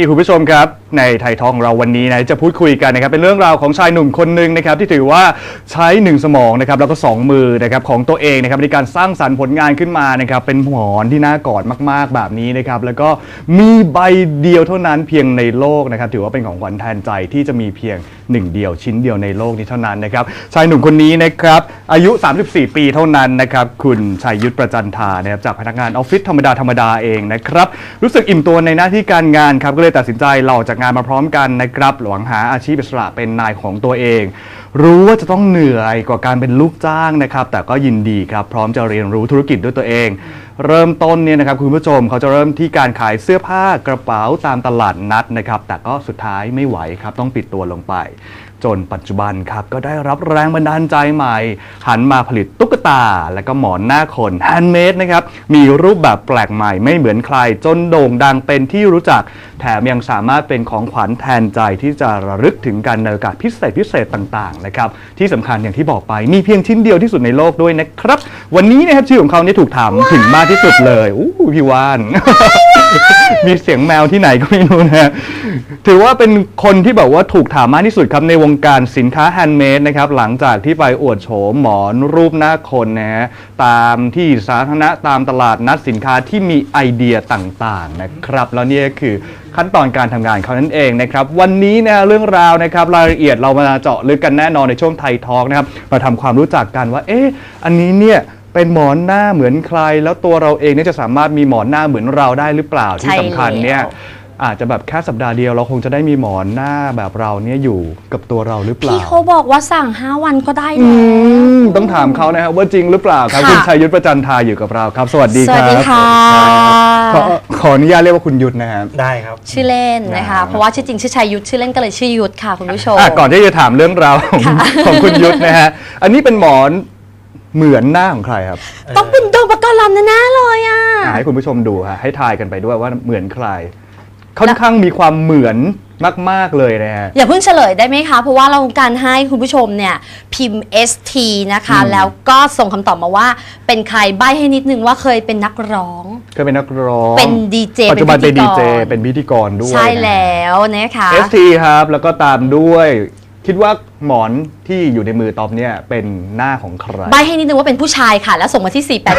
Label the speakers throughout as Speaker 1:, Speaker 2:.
Speaker 1: คุณผู้ชมครับในไทยทองของเราวันนี้นะจะพูดคุยกันนะครับเป็นเรื่องราวของชายหนุ่มคนหนึ่งนะครับที่ถือว่าใช้1สมองนะครับแล้วก็2มือนะครับของตัวเองนะครับในการสร้างสรรค์ผลงานขึ้นมานะครับเป็นหมอนที่น่ากอดมากๆแบบนี้นะครับแล้วก็มีใบเดียวเท่านั้นเพียงในโลกนะครับถือว่าเป็นของขวัญแทนใจที่จะมีเพียง1เดียวชิ้นเดียวในโลกนี้เท่านั้นนะครับชายหนุ่มคนนี้นะครับอายุ34ปีเท่านั้นนะครับคุณชัยยุทธประจันทานะครับจากพนักงานออฟฟิศธรรมดาเองนะครับรู้สึกอิ่มตัวในหน้าที่การงานครับก็เลยตัดสินใจลาออกจากงานมาพร้อมกันนะครับหวังหาอาชีพอิสระเป็นนายของตัวเองรู้ว่าจะต้องเหนื่อยกว่าการเป็นลูกจ้างนะครับแต่ก็ยินดีครับพร้อมจะเรียนรู้ธุรกิจด้วยตัวเองเริ่มต้นเนี่ยนะครับคุณผู้ชมเขาจะเริ่มที่การขายเสื้อผ้ากระเป๋าตามตลาดนัดนะครับแต่ก็สุดท้ายไม่ไหวครับต้องปิดตัวลงไปจนปัจจุบันครับก็ได้รับแรงบันดาลใจใหม่หันมาผลิตตุ๊กตาและก็หมอนหน้าคนแฮนด์เมดนะครับมีรูปแบบแปลกใหม่ไม่เหมือนใครจนโด่งดังเป็นที่รู้จักแถมยังสามารถเป็นของขวัญแทนใจที่จะระลึกถึงกันในโอกาสพิเศษต่างๆนะครับที่สำคัญอย่างที่บอกไปมีเพียงชิ้นเดียวที่สุดในโลกด้วยนะครับวันนี้นะครับชื่อของเขาเนี่ยถูกถามถึงมากที่สุดเลยพี่ว่าน มีเสียงแมวที่ไหนก็ไม่รู้นะถือว่าเป็นคนที่แบบว่าถูกถามมากที่สุดครับในวงการสินค้าแฮนด์เมดนะครับหลังจากที่ไปอวดโฉมหมอนรูปหน้าคนนะฮะตามที่สาธารณะตามตลาดนัดสินค้าที่มีไอเดียต่างๆนะครับแล้วนี่คือขั้นตอนการทำงานเขานั่นเองนะครับวันนี้นะเรื่องราวนะครับรายละเอียดเรามาเจาะลึกกันแน่นอนในช่วงไทยทอล์กนะครับมาทำความรู้จักกันว่าอันนี้เนี่ยเป็นหมอนหน้าเหมือนใครแล้วตัวเราเองเนี่ยจะสามารถมีหมอนหน้าเหมือนเราได้หรือเปล่าที่สำคัญเนี่ยอาจจะแบบแค่สัปดาห์เดียวเราคงจะได้มีหมอนหน้าแบบเราเนี่ยอยู่กับตัวเราหรือเปล่า
Speaker 2: พี่เขาบอกว่าสั่ง5 วันก็ได้แล้ว
Speaker 1: ต้องถามเขานะครับว่าจริงหรือเปล่าครับคุณชัยยุทธประจันทาอยู่กับเราครับสวัสดีครับ
Speaker 2: สวัสดีค่ะ
Speaker 1: ขออนุญาตเรียกว่าคุณยุทธนะครับ
Speaker 3: ได้ครับ
Speaker 2: ชื่อเล่นนะคะเพราะว่าชื่อจริงชื่อชัยยุทธชื่อเล่นก็เลยชื่อยุทธค่ะคุณผู้ชม
Speaker 1: ก่อนที่จะถามเรื่องราวของคุณยุทธนะฮะอันนี้เป็นหมอนเหมือนหน้าของใครครับ
Speaker 2: ต้องเป็นโดมปกรณ์ลำแน่ๆเลยอ่ะ
Speaker 1: ให้คุณผู้ชมดูฮะให้ทายกันไปด้วยว่าเหมือนใครค่อนข้างมีความเหมือนมากๆเลยนะฮะ
Speaker 2: อย่าเพิ่งเฉลยได้ไหมคะเพราะว่าเราการให้คุณผู้ชมเนี่ยพิมพ์ ST นะคะแล้วก็ส่งคำตอบมาว่าเป็นใครใบ้ให้นิดนึงว่าเคยเป็นนักร้อง
Speaker 1: เคยเป็นนักร้อง
Speaker 2: เป็นดีเจ
Speaker 1: ปัจจุบันเป็นดีเจเป็นพิธีกรด้วย
Speaker 2: ใช่แล้วนะคะ
Speaker 1: ST ครับแล้วก็ตามด้วยคิดว่าหมอนที่อยู่ในมือตอบเนี่ยเป็นหน้าของใคร
Speaker 2: ใบให้นิดนึงว่าเป็นผู้ชายค่ะแล้วส่งมาที่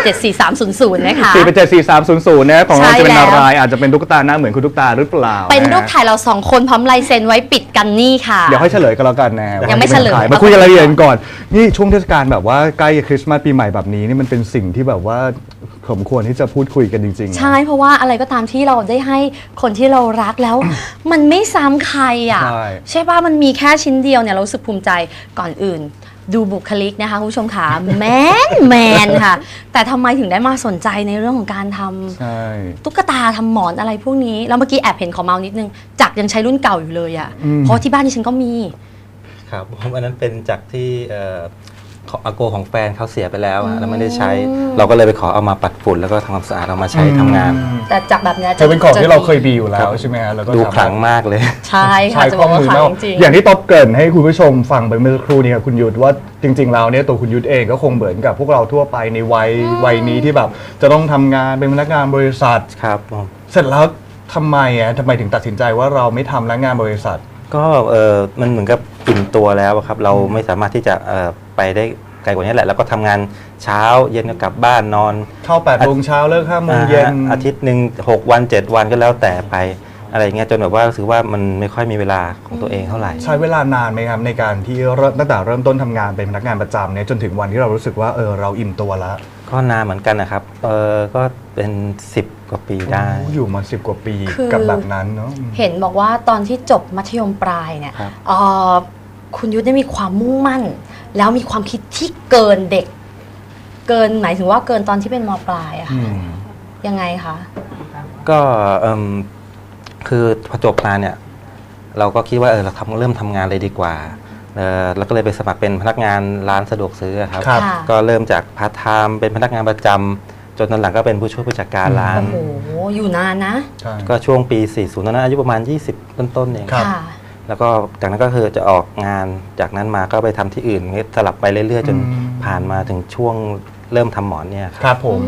Speaker 2: 4874300 นะคะ
Speaker 1: 4874300นะของเราจะเป็นอะไรอาจจะเป็นตุ๊กตาหน้าเหมือนคุณตุ๊กตาหรือเปล่า
Speaker 2: เป็นรูปถ่ายเรา2คนพร้อมลายเซ็นไว้ปิดกันนี่ค่ะ
Speaker 1: เดี๋ยวให้เฉลยกันแล้วกันนะ
Speaker 2: ยังไม่เฉลย
Speaker 1: มาคุยกันรายละเอียดก่อนนี่ช่วงเทศกาลแบบว่าใกล้คริสต์มาสปีใหม่แบบนี้นี่มันเป็นสิ่งที่แบบว่าสมควรที่จะพูดคุยกันจริงๆ
Speaker 2: ใช่เพราะว่าอะไรก็ตามที่เราได้ให้คนที่เรารักแล้ว มันไม่ซ้ำใครอ่ะใช่ป่ะมันมีแค่ชิ้นเดียวเนี่ยเรารู้สึกภูมิใจก่อนอื่นดูบุคลิกนะคะคุณผู้ชมค่ะแมนค่ะแต่ทำไมถึงได้มาสนใจในเรื่องของการทำตุ๊กตาทำหมอนอะไรพวกนี้แล้วเมื่อกี้แอบเห็นขอเมานิดนึงจักยังใช้รุ่นเก่าอยู่เลยอ่ะเพราะที่บ้านดิฉันก็มี
Speaker 3: ครับอันนั้นเป็นจากที่อาโกของแฟนเขาเสียไปแล้วแล้วไม่ได้ใช้เราก็เลยไปขอเอามาปัดฝุ่นแล้วก็ทำความสะอาดเอามาใช้ทำงาน
Speaker 2: แต่จากแบบนี้
Speaker 1: จะเป็นของที่เราเคยมีอยู่แล้วใช่ไหมฮะแล้วก็
Speaker 3: ดูขลังมากเลย
Speaker 2: ใช่ค่ะจะบอกว่าขลังจริง
Speaker 1: อย่างที่ต๊อบเกริ่นให้คุณผู้ชมฟังไปเมื่อสักครู่นี้ครับคุณยุทธว่าจริงๆแล้วเนี่ยตัวคุณยุทธเองก็คงเหมือนกับพวกเราทั่วไปในวัยนี้ที่แบบจะต้องทำงานเป็นพนักงานบริษัท
Speaker 3: ครับ
Speaker 1: เสร็จแล้วทำไมถึงตัดสินใจว่าเราไม่ทำแล้วงานบริษัท
Speaker 3: ก็มันเหมือนกับอิ่มตัวแล้วครับเราไม่สามารถที่จะไปได้ไกลกว่านี้แหละแล้วก็ทำงานเช้าเย็นก็กลับบ้านนอน
Speaker 1: เข้า8 โมงเช้าเลิก5 โมงเย็น
Speaker 3: อาทิตย์หนึ่ง6 วัน 7 วันก็แล้วแต่ไปอะไรเงี้ยจนแบบว่ารู้สึกว่ามันไม่ค่อยมีเวลาของตัวเองเท่าไหร่
Speaker 1: ใช้เวลานานไหมครับในการที่ตั้งแต่เริ่มต้นทำงานเป็นพนักงานประจำเนี่ยจนถึงวันที่เรารู้สึกว่าเราอิ่มตัวแล้ว
Speaker 3: ก็นานเหมือนกันนะครับก็เป็น10 กว่าปีได้
Speaker 1: อยู่มา10 กว่าปีกับแบบนั้นเนาะ
Speaker 2: เห็นบอกว่าตอนที่จบมัธยมปลายเนี่ยคุณยุทธได้มีความมุ่งมั่นแล้วมีความคิดที่เกินเด็กเกินหมายถึงว่าเกินตอนที่เป็นม.ปลายอะค่ะยังไงคะ
Speaker 3: ก็คือพอจบมาเนี่ยเราก็คิดว่าเราเริ่มทำงานเลยดีกว่าแล้วก็เลยไปสมัครเป็นพนักงานร้านสะดวกซื้อครับก็เริ่มจากพาร์ทไทม์เป็นพนักงานประจำจนตอนหลังก็เป็นผู้ช่วยผู้จัดการร้าน
Speaker 2: โอ้โหอยู่นานนะ
Speaker 3: ก็ช่วงปี40ตอนนั้นอายุประมาณ20ต้นๆเองแล้วก็จากนั้นก็คือจะออกงานจากนั้นมาก็ไปทำที่อื่นสลับไปเรื่อยๆจนผ่านมาถึงช่วงเริ่มทำหมอนเนี่ย
Speaker 1: ครับผมก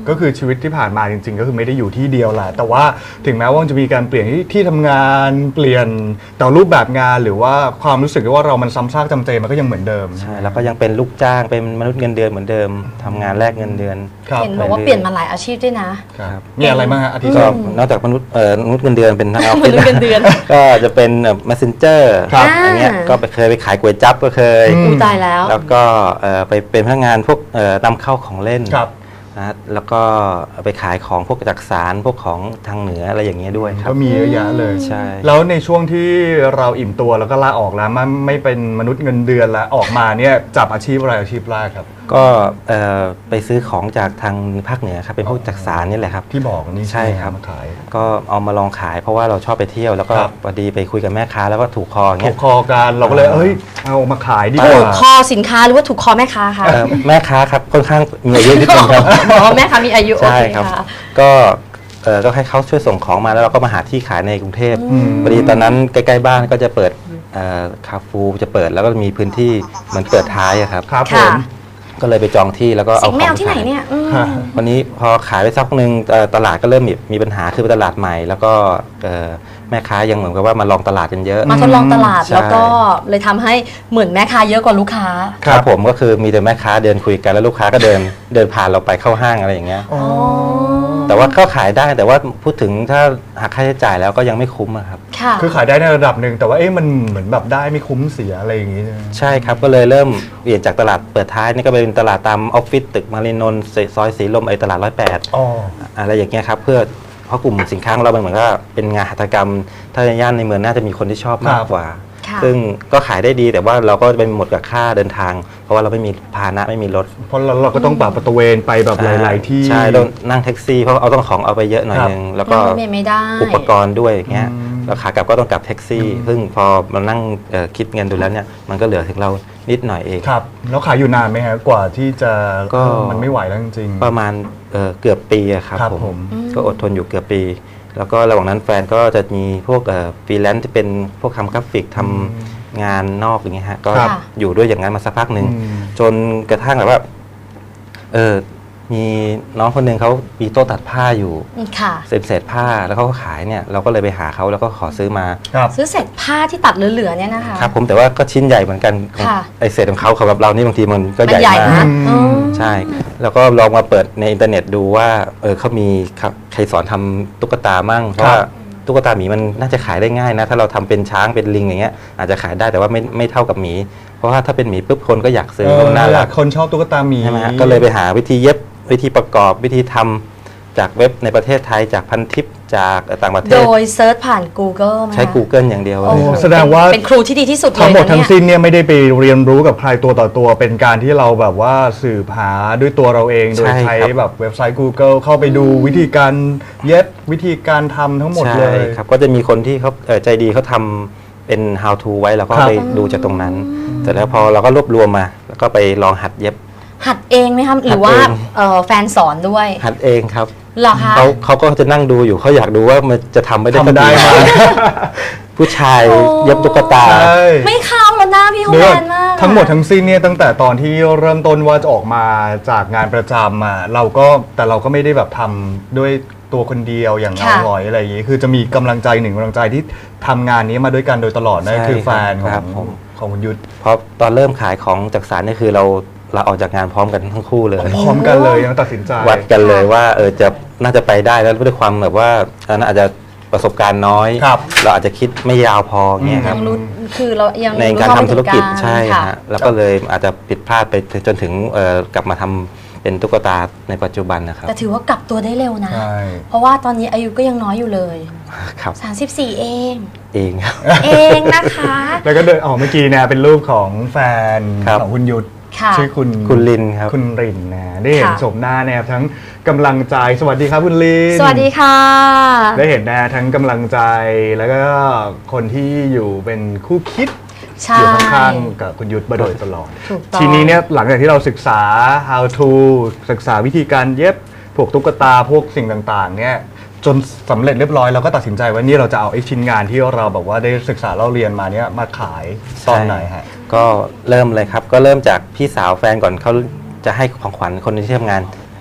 Speaker 1: ก็คือชีวิตที่ผ่านมาจริงๆก็คือไม่ได้อยู่ที่เดียวแหละแต่ว่าถึงแม้ว่าจะมีการเปลี่ยนที่ทำงานเปลี่ยนแต่รูปแบบงานหรือว่าความรู้สึกว่าเรามันซ้ำซากจำเจมันก็ยังเหมือนเดิม
Speaker 3: ใช่แล้วก็ยังเป็นลูกจ้างเป็นมนุษย์เงินเดือนเหมือนเดิมทำงานแลกเงินเดือน
Speaker 1: ครับ
Speaker 2: เห็นบอกว่าเปลี่ยนมาหลายอาชีพด้วยนะ
Speaker 1: ครับมีอะไรบ้างฮะอาทิตย์
Speaker 3: ก็
Speaker 1: สอง
Speaker 3: นอกจากมนุษย์เงินเดือนเป็นทางออฟ
Speaker 2: ม
Speaker 3: ฟิศ
Speaker 2: นุษย์เงินเดือน
Speaker 3: ก็จะเป็นmessenger
Speaker 1: ครับ
Speaker 3: อันเนี้ยก็เคยไปขายก๋วยจั๊บก็เคย
Speaker 2: อู้ตายแล้ว
Speaker 3: แล้วก็ไปเป็นพนักงานพวกนำเข้าของเล่น
Speaker 1: ครับ
Speaker 3: นะแล้วก็ไปขายของพวกจักสานพวกของทางเหนืออะไรอย่างเงี้ยด้วยครั
Speaker 1: ก็
Speaker 3: บ
Speaker 1: มีเยอะแยะเลย
Speaker 3: ใช่
Speaker 1: แล้วในช่วงที่เราอิ่มตัวแล้วก็ลาออกแล้วไม่เป็นมนุษย์เงินเดือนแล้วออกมาเนี่ยจับอาชีพอะไรอาชีพแรกครับ
Speaker 3: ก็ไปซื้อของจากทางภาคเหนือครับเป็นพวกจักสานนี่แหละครับ
Speaker 1: ที่บอกนี่
Speaker 3: ใช่ครับ
Speaker 1: มาขาย
Speaker 3: ก็เอามาลองขายเพราะว่าเราชอบไปเที่ยวแล้วก็
Speaker 1: ครับ
Speaker 3: พอดีไปคุยกับแม่ค้าแล้วก็ถูกคออย่าง
Speaker 1: ถู
Speaker 3: เงี้
Speaker 1: ก
Speaker 3: ย
Speaker 1: คอกันเราก็เลยเอ้ยเอามาขายดีก
Speaker 2: ถูก
Speaker 1: ว่า
Speaker 2: คอสินค้าหรือว่าถูกคอแม่ค้าคะ
Speaker 3: แม่ค้าครับค่อนข้างมีอายุนิดนึงครับ
Speaker 2: อ๋อแม่ค้ามีอายุโอ
Speaker 3: ใช่
Speaker 2: เค
Speaker 3: ครับ
Speaker 2: ค่ะ
Speaker 3: ก็ให้เขาช่วยส่งของมาแล้วเราก็มาหาที่ขายในกรุงเทพพอดีตอนนั้นใกล้ๆบ้านก็จะเปิดคาฟูจะเปิดแล้วก็มีพื้นที่เหมือนเปิดท้ายอะครับ
Speaker 1: ครับผ
Speaker 2: ค่ะ
Speaker 1: ม
Speaker 3: ก็เลยไปจองที่แล้วก็
Speaker 2: สิ
Speaker 3: เอา
Speaker 2: ง
Speaker 3: ของ
Speaker 2: แมว
Speaker 3: ไป
Speaker 2: ที่ไหน
Speaker 3: ขาย
Speaker 2: เนี่ยอืม
Speaker 1: ฮะ
Speaker 3: วันนี้พอขายไปสักพักหนึ่งตลาดก็เริ่มมีปัญหาคือตลาดใหม่ แล้วก็แม่ค้ายังเหมือนกับว่ามาลองตลาดกันเยอะ
Speaker 2: มาทดลองตลาด
Speaker 3: ใช่
Speaker 2: แล้วก็เลยทำให้เหมือนแม่ค้าเยอะกว่าลูกค้า
Speaker 3: ครับผมก็คือมีแต่แม่ค้าเดินคุยกันแล้วลูกค้าก็เดินผ่านเราไปเข้าห้างอะไรอย่างเงี้ย
Speaker 1: อ๋อ
Speaker 3: แต่ว่าก็ขายได้แต่ว่าพูดถึงถ้าหักค่าใช้จ่ายแล้วก็ยังไม่คุ้มอะครับ
Speaker 2: ค่ะ
Speaker 1: คือขายได้ในระดับหนึ่งแต่ว่าเอ๊ะมันเหมือนแบบได้ไม่คุ้มเสียอะไรอย่างงี้ใช่ไหม
Speaker 3: ใช่ครับก็เลยเริ่มเปลี่ยนจากตลาดเปิดท้ายนี่ก็เป็นตลาดตามออฟฟิศตึกมารีนนท์ซอยสีลมตลาด108
Speaker 1: อ๋อ
Speaker 3: อะไรอย่างเงี้ยครับเพื่อเพราะกลุ่มสินค้าของเรามันเหมือนก็เป็นงานหัตถกรรม ถ้าในย่านในเมืองน่าจะมีคนที่ชอบมากกว่า
Speaker 2: ค่ะ
Speaker 3: ซึ่งก็ขายได้ดีแต่ว่าเราก็เป็นหมดกับค่าเดินทาง เพราะว่าเราไม่มีพาหนะไม่มีรถ
Speaker 1: เพราะเราก็ต้องปรับประตูเวนไปแบบหลาย ๆ ที่
Speaker 3: ใช่ต้องนั่งแท็กซี่เพราะเอาต้องของเอาไปเยอะหน่อย
Speaker 1: ครับ
Speaker 3: นึงแล้วก็
Speaker 2: ไม่ได้
Speaker 3: อุปกรณ์ด้วยอย่างเงี้ย
Speaker 1: อืม
Speaker 3: แล้วขากลับก็ต้องกลับแท็กซี่ ซึ่งพอมานั่งคิดเงินดูแล้วเนี่ยมันก็เหลือถึงเรานิดหน่อยเอง
Speaker 1: ครับแล้วขายอยู่นานไหมฮะกว่าที่จะ
Speaker 3: ก็
Speaker 1: มันไม่ไหวแล้วจริงๆ
Speaker 3: ประมาณเกือบปีอะครับ
Speaker 1: ครับ
Speaker 3: ผ
Speaker 1: ผม ม
Speaker 3: ก็อดทนอยู่เกือบปี แล้วก็ระหว่างนั้นแฟนก็จะมีพวกฟรีแลนซ์ที่เป็นพวกทำกราฟิกทำงานนอกอย่างเงี้ยฮะก็
Speaker 1: ครับ
Speaker 3: อยู่ด้วยอย่างนั้นมาสักพักหนึ่ง
Speaker 1: อืม
Speaker 3: จนกระทั่งแบบว่ามีน้องคนหนึ่งเขามีโต๊ะตัดผ้าอยู่
Speaker 2: ค่ะ
Speaker 3: เศษผ้าแล้วเขาก็ขายเนี่ยเราก็เลยไปหาเขาแล้วก็ขอซื้อมา
Speaker 1: ครับ
Speaker 2: ซื้อเสร็จผ้าที่ตัดเหลือๆเนี่ยนะคะ
Speaker 3: ครับผมแต่ว่าก็ชิ้นใหญ่เหมือนกัน
Speaker 2: ค่ะ
Speaker 3: ไอเศษของเขาสำหรับเรานี่บางทีมันก็
Speaker 2: มัน
Speaker 3: ใหญ่
Speaker 2: ใหญ่
Speaker 3: มาก
Speaker 2: นะ
Speaker 1: อืม
Speaker 3: ใช่ แล้วก็ลองมาเปิดในอินเทอร์เน็ตดูว่าเขามีใครสอนทำตุ๊กตามั่งเพราะว่าตุ๊กตาหมีมันน่าจะขายได้ง่ายนะถ้าเราทำเป็นช้างเป็นลิงอย่างเงี้ยอาจจะขายได้แต่ว่าไม่เท่ากับหมี เพราะว่าถ้าเป็นหมีปุ๊บคนก็อยากซื้อน่ารัก
Speaker 1: คนชอบตุ๊กตาหมี
Speaker 3: ใช่ไหมฮะก็เลยไปหาวิธีเย็บวิธีประกอบวิธีทำจากเว็บในประเทศไทยจากพันทิปจากต่างประเท
Speaker 2: โด
Speaker 3: ศ
Speaker 2: ยเซิร์ชผ่าน Google ไหมคะ
Speaker 3: ใช้ Google อย่างเดียว
Speaker 2: โอ้
Speaker 3: เลย
Speaker 2: โห
Speaker 3: ครับ
Speaker 1: แสดงว่า
Speaker 2: เป็นครูที่ดีที่สุดเลย
Speaker 1: ทั้งหมด
Speaker 2: นะ
Speaker 1: ทั้ง
Speaker 2: เนี่ย
Speaker 1: สิ้นเนี่ยไม่ได้ไปเรียนรู้กับใครตัวต่อตัว เป็นการที่เราแบบว่าสืบหาด้วยตัวเราเองโดย
Speaker 3: ใช่
Speaker 1: ใช้
Speaker 3: ครับ
Speaker 1: แบบเว็บไซต์ Google เข้าไปดูวิธีการเย็บวิธีการทำทั้งหมดเล
Speaker 3: ใช่
Speaker 1: ย
Speaker 3: ครับก็จะมีคนที่เขาใจดีเขาทำเป็น how to ไว้แล้วก็
Speaker 1: ครับ
Speaker 3: ไปดูจากตรงนั้นเสร็จแล้วพอเราก็รวบรวมมา แล้วก็ไปลองหัดเย็บ
Speaker 2: หัดเองไหมคะหรือว่า
Speaker 3: หัดเอง
Speaker 2: แฟนสอนด้วย
Speaker 3: หัดเองครับ
Speaker 2: เหรอคะ
Speaker 3: เขาก็จะนั่งดูอยู่เขาอยากดูว่ามันจะทำไม่ได้
Speaker 1: ทำได้ไหม
Speaker 3: ผู้ชาย
Speaker 2: โอ้
Speaker 3: เย็บตุ๊กตา
Speaker 1: ใช่
Speaker 2: ไม่เข้าแล้วหน้าพี่เขา
Speaker 1: เดี๋
Speaker 2: แม
Speaker 1: ยวน
Speaker 2: มาก
Speaker 1: ทั้งหมดทั้งสิ้นเนี่ยตั้งแต่ตอนที่เริ่มต้นว่าจะออกมาจากงานประจำอ่ะเราก็ไม่ได้แบบทำด้วยตัวคนเดียวอย่างเงาหงอยอะไรอย่างงี้คือจะมีกำลังใจหนึ่งกำลังใจที่ทำงานนี้มาด้วยกันโดยตลอดนั่น
Speaker 3: ใช่
Speaker 1: คือแฟนข
Speaker 3: ค
Speaker 1: อ
Speaker 3: รับ
Speaker 1: ง
Speaker 3: ผม
Speaker 1: ของคุณยุทธ
Speaker 3: เพราะตอนเริ่มขายของจากสารนี่คือเราออกจากงานพร้อมกันทั้งคู่เลย
Speaker 1: พร้อมกันเลยยังตัดสินใจ
Speaker 3: วัดกันเลยว่าจะน่าจะไปได้แล้วด้วยความแบบว่าอันนั้นอาจจะประสบการณ์น้อย
Speaker 1: ครับ
Speaker 3: เราอาจจะคิดไม่ยาวพอเงี้ยค
Speaker 2: ยั
Speaker 3: รับ
Speaker 2: งรู้คือเรายัง
Speaker 3: ในการทำธุรกิจ
Speaker 2: รู้เท่าไม่ถึง
Speaker 3: ใช่
Speaker 2: ค่ะ
Speaker 3: ฮะแล้วก็เลยอาจจะผิดพลาดไปจนถึงกลับมาทำเป็นตุ๊กตาในปัจจุบันนะครับ
Speaker 2: แต่ถือว่ากลับตัวได้เร็วนะ
Speaker 1: ใช่
Speaker 2: เพราะว่าตอนนี้อายุก็ยังน้อยอยู่เลย
Speaker 3: ครับ
Speaker 2: 34 เอง
Speaker 3: เองครับ
Speaker 2: เองนะคะ
Speaker 1: แล้วก็เดินออกเมื่อกี้เนี่ยเป็นรูปของแฟน
Speaker 3: ครับ
Speaker 1: ของคุณยุทธ
Speaker 2: ค่ะ
Speaker 1: ชื่อคุณ
Speaker 3: คุณลินครับ
Speaker 1: คุณรินนะได้เห็น
Speaker 2: ค่ะ
Speaker 1: ชมหน้าเนี่ยทั้งกำลังใจสวัสดีครับคุณลิน
Speaker 2: สวัสดีค่ะ
Speaker 1: ได้เห็นนะทั้งกำลังใจแล้วก็คนที่อยู่เป็นคู่คิด
Speaker 2: ใช่
Speaker 1: อยู่ข้างๆกับคุณยุทธมาโดยตลอด
Speaker 2: ถูกต้อง
Speaker 1: ทีนี้เนี่ยหลังจากที่เราศึกษา how to ศึกษาวิธีการเย็บพวกตุ๊กตาพวกสิ่งต่างๆเนี่ยจนสำเร็จเรียบร้อยเราก็ตัดสินใจว่านี่เราจะเอาไอ้ชิ้นงานที่เราแบบว่าได้ศึกษาเราเรียนมาเนี่ยมาขายตอนไหนฮะ
Speaker 3: ก็เริ่มเลยครับ ก็เริ่มจากพี่สาวแฟนก่อนเขาจะให้ของขวัญคนที่ทำงาน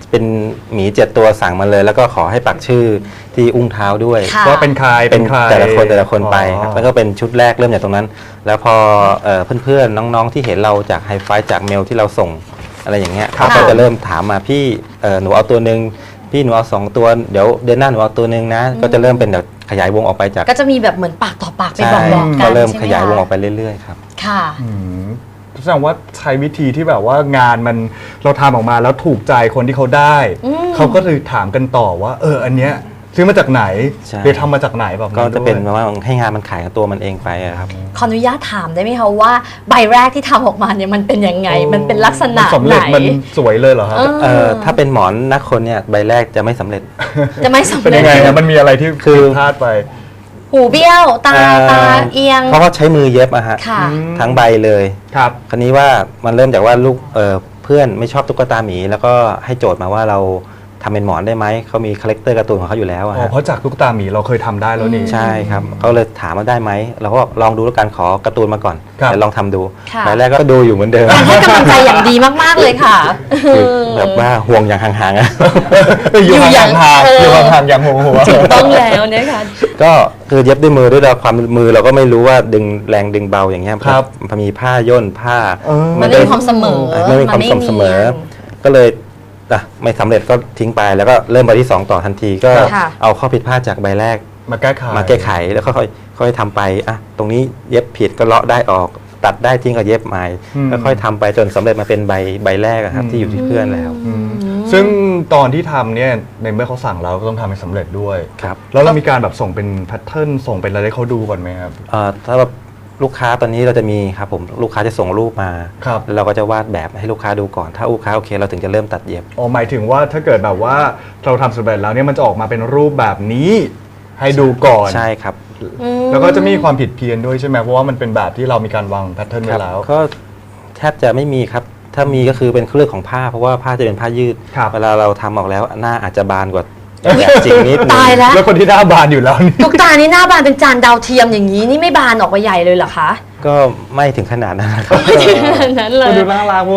Speaker 3: เป็นหมี7ตัวสั่งมาเลย แล้วก็ขอให้ปักชื่อที่อุ้งเท้าด้วย
Speaker 2: ค่ะ
Speaker 1: ว่าเป็นใคร
Speaker 3: เป็นแต่ละคนไป
Speaker 1: อ๋อ
Speaker 3: ครับแล้วก็เป็นชุดแรกเริ่มจากตรงนั้น แล้วพอเพื่อนๆน้องๆที่เห็นเราจากไฮไฟจากเมลที่เราส่งอะไรอย่างเงี้ย
Speaker 1: ครับ
Speaker 3: เขาก็จะเริ่มถามมาพี่หนูเอาตัวหนึ่งพี่หนูเอา2ตัวเดี๋ยวเดือนหน้าหนูเอาตัวหนึ่งนะ ก็จะเริ่มเป็นแบบขยายวงออกไปจาก
Speaker 2: ก็จะมีแบบเหมือนปากต่อปากไป
Speaker 3: ใช่
Speaker 2: บอกๆกั
Speaker 3: ก็
Speaker 2: น
Speaker 3: เริ่ม
Speaker 2: ใช่ไห
Speaker 3: ขยายวงออก
Speaker 2: คะ
Speaker 3: ไปเรื่อยๆครับ
Speaker 2: ค่ะ
Speaker 1: แสดงว่าใช้วิธีที่แบบว่างานมันเราทำออกมาแล้วถูกใจคนที่เขาได้ เขาก็เลยถามกันต่อว่าอันเนี้ยซื้อมาจากไหน
Speaker 3: ใช่
Speaker 1: หรือทำมาจากไหนแบบ
Speaker 3: ก็จะเป็น
Speaker 1: ด้วย
Speaker 3: ว่าให้งานมันขายกับตัวมันเองไปอะครับ
Speaker 2: ขออนุญาตถามได้ไหมคะว่าใบแรกที่ทำออกมาเนี่ยมันเป็นยังไง มันเป็นลักษณะ
Speaker 1: มันสำ
Speaker 2: ไหน
Speaker 1: เร็จมันสวยเลยเหรอครับ
Speaker 3: ถ้าเป็นหมอนนักคนเนี่ยใบแรกจะไม่สำเร็จ
Speaker 2: จะไม่สำ
Speaker 1: เป็น
Speaker 2: เร็
Speaker 1: ยั
Speaker 2: จ
Speaker 1: งไงนะมันมีอะไรที่
Speaker 3: คือ
Speaker 1: ผิดพลาดไป
Speaker 2: หูเบี้ยวตาเอียง
Speaker 3: เพราะว่าใช้มือเย็บอะฮะ
Speaker 2: ค่ะ
Speaker 3: ทั้งใบเลย
Speaker 1: ครับ
Speaker 3: คราวนี้ว่ามันเริ่มจากว่าลูกเพื่อนไม่ชอบตุ๊กตาหมี แล้วก็ให้โจทย์มาว่าเราทำเป็นหมอนได้ไหมเขามีคาแรคเตอร์การ์ตูนของเขาอยู่แล้วอะ
Speaker 1: อ๋อ
Speaker 3: ฮะ
Speaker 1: เพราะจากตุ๊กตาหมีเราเคยทำได้แล้วนี่
Speaker 3: ใช่ครับเขาเลยถามว่าได้ไหมเราก็บอกลองดูแล้วกันขอการ์ตูนมาก่อน
Speaker 1: ครับ
Speaker 3: เดี๋ยวลองทำดู
Speaker 2: ค่ะ
Speaker 3: ใบแรกก็ดูอยู่เหมือนเดิม
Speaker 2: ให้กำลังใจอย่างดีมากๆเลยค่ะ
Speaker 3: คือแบบว่าห่วงอย่างห่างๆอะ
Speaker 1: อยู่
Speaker 2: อยู่อย่าง
Speaker 1: ห่างๆอยู่ห่างๆอย่างหัว
Speaker 2: ถูกต้องแล้วนะคะ
Speaker 3: ก็คือเย็บด้วยมือด้วยความมือเราก็ไม่รู้ว่าดึงแรงดึงเบาอย่างเงี้ย
Speaker 1: ครับ
Speaker 3: พอมีผ้าย่นผ้า
Speaker 2: มันไม่มีความเสมอ
Speaker 3: ไม่มีความสม่ำเสมอ ก็เลยไม่สำเร็จก็ทิ้งไปแล้วก็เริ่มใบที่ 2 ต่อทันทีก็
Speaker 2: ค่ะ
Speaker 3: เอาข้อผิดพลาดจากใบแรก
Speaker 1: มาแก้ไข
Speaker 3: มาแก้ไขแล้วก็ค่อยทำไปตรงนี้เย็บผิดก็เลาะได้ออก ตัดได้ทิ้งก็เย็บใหม่แล้วค่อยทำไปจนสำเร็จมาเป็นใบแรกอะครับที่อยู่ที่เพื่อนแล้ว
Speaker 1: ซึ่งตอนที่ทำเนี่ยในเมื่อเขาสั่งเราก็ต้องทำให้สำเร็จด้วย
Speaker 3: ครับ
Speaker 1: แล้วเรามีการแบบส่งเป็นแพทเทิร์นส่งเป็นอะไรให้เขาดูก่อนไหมครับ
Speaker 3: ถ้าแบบลูกค้าตอนนี้เราจะมีครับผมลูกค้าจะส่งรูปมา
Speaker 1: ครับ
Speaker 3: แล้วเราก็จะวาดแบบให้ลูกค้าดูก่อนถ้าลูกค้าโอเคเราถึงจะเริ่มตัดเย็บ
Speaker 1: หมายถึงว่าถ้าเกิดแบบว่าเราทำสำเร็จแล้วเนี่ยมันจะออกมาเป็นรูปแบบนี้ให้ดูก่อน
Speaker 3: ใช่ครับ
Speaker 1: แล้วก็จะมีความผิดเพี้ยนด้วยใช่ไหมเพราะว่ามันเป็นแบบที่เรามีการวางแพทเทิร์น
Speaker 3: ค
Speaker 1: ไว้
Speaker 3: รับ
Speaker 1: แล้ว
Speaker 3: ก็แทบจะไม่มีครับ ถ้ามีก็คือเป็นเรื่องของผ้าเพราะว่าผ้าจะเป็นผ้ายืด
Speaker 1: ครับ
Speaker 3: เวลาเราทำออกแล้วหน้าอาจจะบานกว่าแบบจริงนิดนึง
Speaker 2: ตายแล้ว
Speaker 1: แล้วคนที่หน้าบานอยู่แล้วนี่
Speaker 2: ตุ๊กตานี่หน้าบานเป็นจานดาวเทียมอย่างนี้นี่ไม่บานออกไปใหญ่เลยเหรอคะ
Speaker 3: ก็ไม่ถึงขนาดนั้นนะครับ
Speaker 2: นั้นเล
Speaker 1: มัน
Speaker 2: ย
Speaker 1: ดูน่ารัก